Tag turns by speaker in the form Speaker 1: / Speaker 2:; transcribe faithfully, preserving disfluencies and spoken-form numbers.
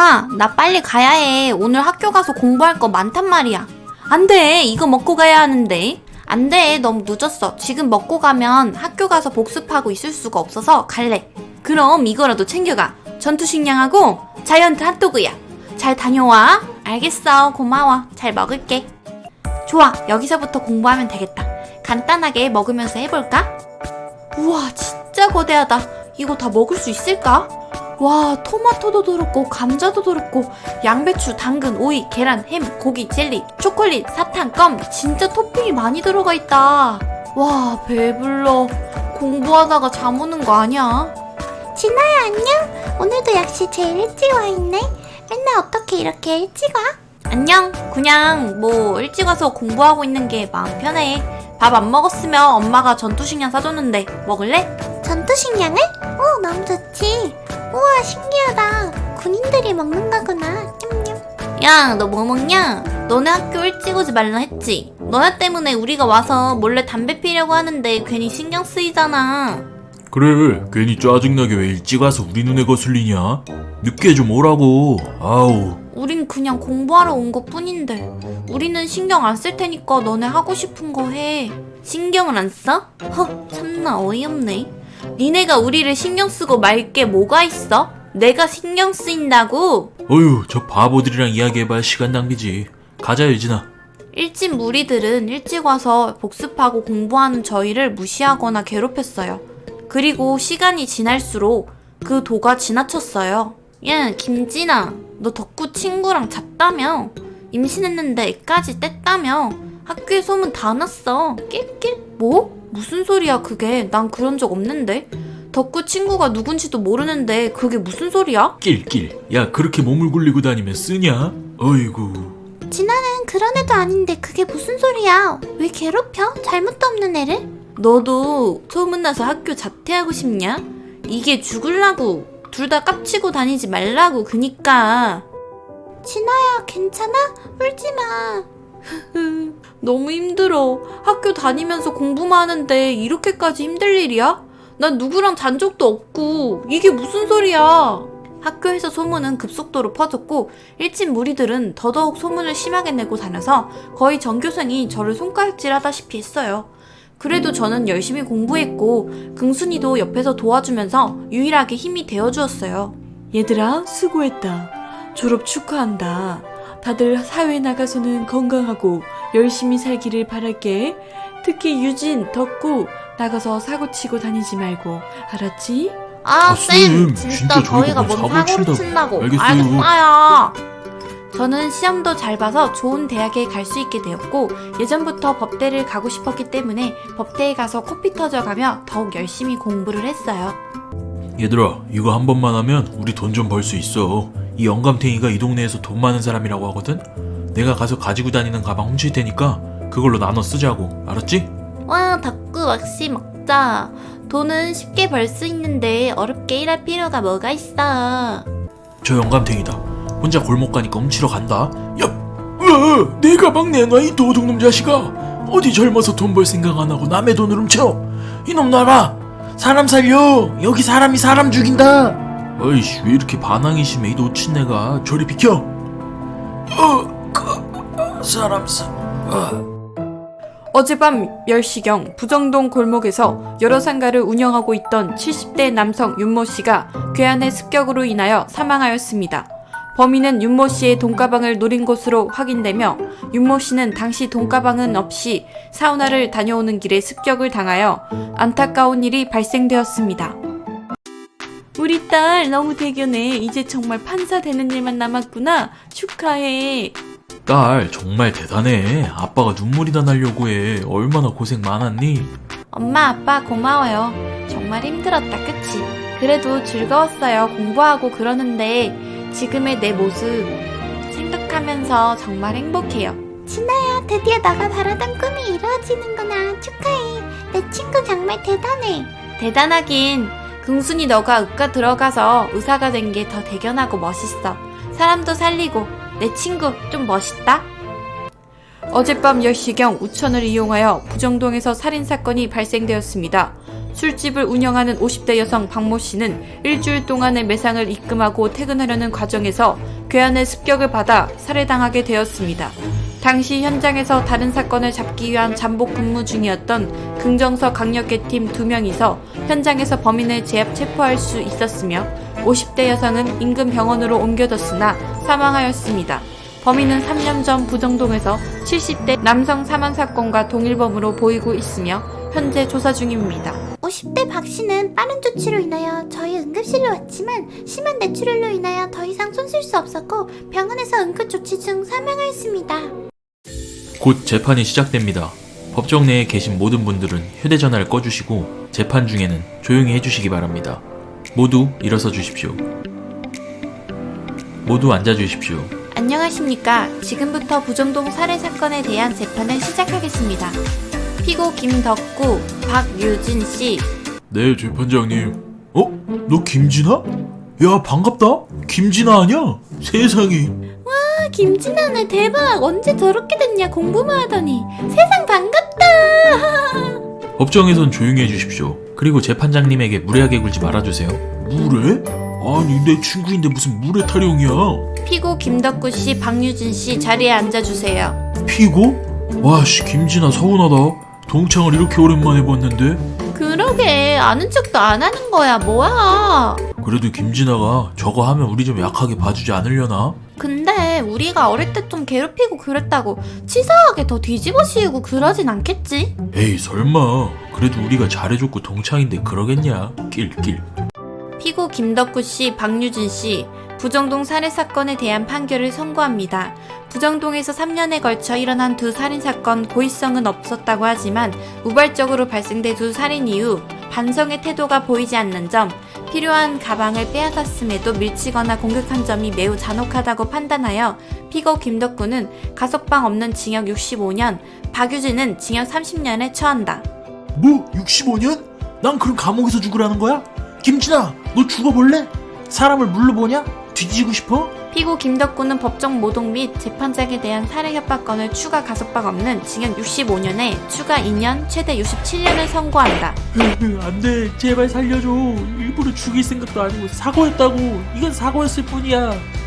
Speaker 1: 엄마, 나 빨리 가야 해. 오늘 학교 가서 공부할 거 많단 말이야. 안 돼. 이거 먹고 가야 하는데. 안 돼. 너무 늦었어. 지금 먹고 가면 학교 가서 복습하고 있을 수가 없어서 갈래. 그럼 이거라도 챙겨가. 전투식량하고 자이언트 핫도그야. 잘 다녀와. 알겠어. 고마워. 잘 먹을게. 좋아. 여기서부터 공부하면 되겠다. 간단하게 먹으면서 해볼까? 우와, 진짜 거대하다. 이거 다 먹을 수 있을까? 와, 토마토도 들었고 감자도 들었고 양배추, 당근, 오이, 계란, 햄, 고기, 젤리, 초콜릿, 사탕, 껌. 진짜 토핑이 많이 들어가 있다. 와, 배불러. 공부하다가 잠 오는 거 아니야?
Speaker 2: 진아야, 안녕? 오늘도 역시 제일 일찍 와 있네. 맨날 어떻게 이렇게 일찍 와?
Speaker 1: 안녕. 그냥 뭐 일찍 와서 공부하고 있는 게 마음 편해. 밥 안 먹었으면 엄마가 전투식량 사줬는데 먹을래?
Speaker 2: 전투식량을? 오, 너무 좋지. 우와, 신기하다. 군인들이 먹는 거구나. 냠냠.
Speaker 1: 야, 너 뭐 먹냐? 너네 학교 일찍 오지 말라 했지? 너네 때문에 우리가 와서 몰래 담배 피려고 하는데 괜히 신경 쓰이잖아.
Speaker 3: 그래, 괜히 짜증나게 왜 일찍 와서 우리 눈에 거슬리냐? 늦게 좀 오라고. 아우.
Speaker 1: 우린 그냥 공부하러 온 것 뿐인데. 우리는 신경 안 쓸 테니까 너네 하고 싶은 거 해. 신경을 안 써? 허, 참나 어이없네. 니네가 우리를 신경 쓰고 말 게 뭐가 있어? 내가 신경 쓰인다고?
Speaker 3: 어휴, 저 바보들이랑 이야기해봐야 시간 낭비지. 가자, 유진아.
Speaker 1: 일진 무리들은 일찍 와서 복습하고 공부하는 저희를 무시하거나 괴롭혔어요. 그리고 시간이 지날수록 그 도가 지나쳤어요. 야, 김진아, 너 덕구 친구랑 잤다며? 임신했는데 애까지 뗐다며? 학교에 소문 다 났어. 낄낄? 뭐? 무슨 소리야 그게? 난 그런 적 없는데? 덕구 친구가 누군지도 모르는데 그게 무슨 소리야?
Speaker 3: 낄낄. 야, 그렇게 몸을 굴리고 다니면 쓰냐? 어이구.
Speaker 2: 진아는 그런 애도 아닌데 그게 무슨 소리야? 왜 괴롭혀? 잘못도 없는 애를?
Speaker 1: 너도 소문나서 학교 자퇴하고 싶냐? 이게 죽을라고. 둘 다 깝치고 다니지 말라고. 그니까.
Speaker 2: 진아야, 괜찮아? 울지마.
Speaker 1: 너무 힘들어. 학교 다니면서 공부만 하는데 이렇게까지 힘들 일이야? 난 누구랑 잔 적도 없고. 이게 무슨 소리야? 학교에서 소문은 급속도로 퍼졌고 일진 무리들은 더더욱 소문을 심하게 내고 다녀서 거의 전교생이 저를 손가락질하다시피 했어요. 그래도 저는 열심히 공부했고 긍순이도 옆에서 도와주면서 유일하게 힘이 되어주었어요. 얘들아, 수고했다. 졸업 축하한다. 다들 사회에 나가서는 건강하고 열심히 살기를 바랄게. 특히 유진, 덕구 나가서 사고치고 다니지 말고, 알았지? 아,
Speaker 3: 아,
Speaker 1: 쌤,
Speaker 3: 쌤,
Speaker 1: 진짜,
Speaker 3: 진짜
Speaker 1: 저희가
Speaker 3: 저희가
Speaker 1: 뭔
Speaker 3: 뭐
Speaker 1: 사고를
Speaker 3: 사고를
Speaker 1: 친다고.
Speaker 3: 알겠어요.
Speaker 1: 알겠어요. 저는 시험도 잘 봐서 좋은 대학에 갈 수 있게 되었고 예전부터 법대를 가고 싶었기 때문에 법대에 가서 코피 터져가며 더욱 열심히 공부를 했어요.
Speaker 3: 얘들아, 이거 한 번만 하면 우리 돈 좀 벌 수 있어. 이 영감탱이가 이 동네에서 돈 많은 사람이라고 하거든? 내가 가서 가지고 다니는 가방 훔칠 테니까 그걸로 나눠 쓰자고. 알았지?
Speaker 1: 와, 덕구 왁시 먹자. 돈은 쉽게 벌 수 있는데 어렵게 일할 필요가 뭐가 있어.
Speaker 3: 저 영감탱이다. 혼자 골목 가니까 훔치러 간다. 야, 어, 내 가방 내놔, 이 도둑놈 자식아. 어디 젊어서 돈 벌 생각 안 하고 남의 돈을 훔쳐. 이놈 놔라. 사람 살려. 여기 사람이 사람 죽인다. 어이씨, 왜 이렇게 반항이 심해 이 노친네가. 저리 비켜. 어, 그, 사람 사. 어.
Speaker 1: 어젯밤 열 시경 부정동 골목에서 여러 상가를 운영하고 있던 칠십 대 남성 윤모 씨가 괴한의 습격으로 인하여 사망하였습니다. 범인은 윤모 씨의 돈가방을 노린 것으로 확인되며 윤모 씨는 당시 돈가방은 없이 사우나를 다녀오는 길에 습격을 당하여 안타까운 일이 발생되었습니다. 우리 딸 너무 대견해. 이제 정말 판사 되는 일만 남았구나. 축하해.
Speaker 3: 딸 정말 대단해. 아빠가 눈물이 다 나려고 해. 얼마나 고생 많았니?
Speaker 1: 엄마, 아빠 고마워요. 정말 힘들었다, 그치? 그래도 즐거웠어요. 공부하고 그러는데 지금의 내 모습 생각하면서 정말 행복해요.
Speaker 2: 진아야, 드디어 너가 바라던 꿈이 이루어지는구나. 축하해. 내 친구 정말 대단해.
Speaker 1: 대단하긴. 긍순이 너가 의과 들어가서 의사가 된 게 더 대견하고 멋있어. 사람도 살리고 내 친구 좀 멋있다. 어젯밤 열 시경 우천을 이용하여 부정동에서 살인사건이 발생되었습니다. 술집을 운영하는 오십 대 여성 박모 씨는 일주일 동안의 매상을 입금하고 퇴근하려는 과정에서 괴한의 습격을 받아 살해당하게 되었습니다. 당시 현장에서 다른 사건을 잡기 위한 잠복 근무 중이었던 긍정서 강력계팀 두 명이서 현장에서 범인을 제압 체포할 수 있었으며 오십 대 여성은 인근 병원으로 옮겨졌으나 사망하였습니다. 범인은 삼 년 전 부정동에서 칠십 대 남성 사망 사건과 동일범으로 보이고 있으며 현재 조사 중입니다.
Speaker 2: 오십 대 박 씨는 빠른 조치로 인하여 저희 응급실로 왔지만 심한 뇌출혈로 인하여 더 이상 손쓸 수 없었고 병원에서 응급조치 중 사망하였습니다.
Speaker 3: 곧 재판이 시작됩니다. 법정 내에 계신 모든 분들은 휴대전화를 꺼주시고 재판 중에는 조용히 해주시기 바랍니다. 모두 일어서 주십시오. 모두 앉아주십시오.
Speaker 1: 안녕하십니까. 지금부터 부정동 살해 사건에 대한 재판을 시작하겠습니다. 피고 김덕구, 박유진 씨.
Speaker 3: 네, 재판장님. 어? 너 김진아? 야, 반갑다. 김진아 아니야? 세상에.
Speaker 2: 아, 김진아네 대박. 언제 저렇게 됐냐 공부만 하더니. 세상 반갑다.
Speaker 3: 법정에선 조용히 해주십시오. 그리고 재판장님에게 무례하게 굴지 말아주세요. 무례? 아니, 내 친구인데 무슨 무례 타령이야.
Speaker 1: 피고 김덕구 씨, 박유진 씨 자리에 앉아주세요.
Speaker 3: 피고? 와씨, 김진아 서운하다. 동창을 이렇게 오랜만에 봤는데.
Speaker 1: 그러게 아는 척도 안 하는 거야 뭐야.
Speaker 3: 그래도 김진아가 저거 하면 우리 좀 약하게 봐주지 않으려나?
Speaker 1: 근데 우리가 어릴 때 좀 괴롭히고 그랬다고 치사하게 더 뒤집어 씌우고 그러진 않겠지?
Speaker 3: 에이 설마. 그래도 우리가 잘해줬고 동창인데 그러겠냐. 낄낄.
Speaker 1: 피고 김덕구 씨, 박유진 씨, 부정동 살해 사건에 대한 판결을 선고합니다. 부정동에서 삼 년에 걸쳐 일어난 두 살인사건 고의성은 없었다고 하지만 우발적으로 발생된 두 살인 이후 반성의 태도가 보이지 않는 점, 필요한 가방을 빼앗았음에도 밀치거나 공격한 점이 매우 잔혹하다고 판단하여 피고 김덕구는 가석방 없는 징역 육십오 년, 박유진은 징역 삼십 년에 처한다.
Speaker 3: 뭐? 육십오 년? 난 그럼 감옥에서 죽으라는 거야? 김진아, 너 죽어볼래? 사람을 물로 보냐? 뒤지고 싶어?
Speaker 1: 피고 김덕구는 법정 모독 및 재판장에 대한 살해 협박건을 추가 가석방 없는 징역 육십오 년에 추가 이 년, 최대 육십칠 년을 선고한다.
Speaker 3: 안돼, 제발 살려줘. 일부러 죽일 생각도 아니고 사고였다고. 이건 사고였을 뿐이야.